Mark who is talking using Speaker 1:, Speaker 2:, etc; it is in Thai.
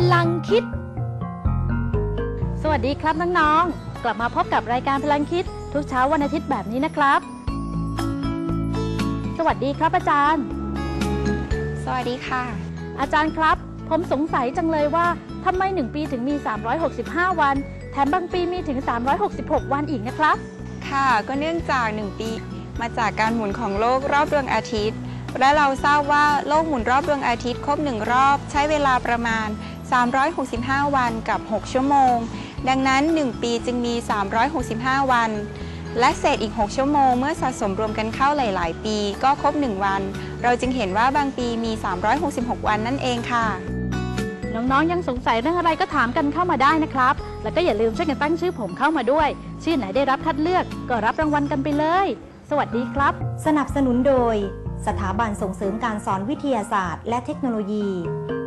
Speaker 1: ลังคิดสวัสดีครับน้องๆกลับมาพบกับรายการพลังคิดทุกเช้าวันอาทิตย์แบบนี้นะครับสวัสดีครับอาจารย์
Speaker 2: สวัสดีค่ะ
Speaker 1: อาจารย์ครับผมสงสัยจังเลยว่าทำไม1 ปีถึงมี365วันแถมบางปีมีถึง366วันอีกนะครับ
Speaker 2: ค่ะก็เนื่องจาก1 ปีมาจากการหมุนของโลกรอบดวงอาทิตย์และเราทราบว่าโลกหมุนรอบดวงอาทิตย์ครบ1 รอบใช้เวลาประมาณ365วันกับ6 ชั่วโมงดังนั้น1 ปีจึงมี365วันและเศษอีก6 ชั่วโมงเมื่อสะสมรวมกันเข้าหลายๆปีก็ครบ1 วันเราจึงเห็นว่าบางปีมี366วันนั่นเองค่ะ
Speaker 1: น้องๆยังสงสัยเรื่องอะไรก็ถามกันเข้ามาได้นะครับแล้วก็อย่าลืมช่วยกันตั้งชื่อผมเข้ามาด้วยชื่อไหนได้รับคัดเลือกก็รับรางวัลกันไปเลยสวัสดีครับ
Speaker 3: สนับสนุนโดยสถาบันส่งเสริมการสอนวิทยาศาสตร์และเทคโนโลยี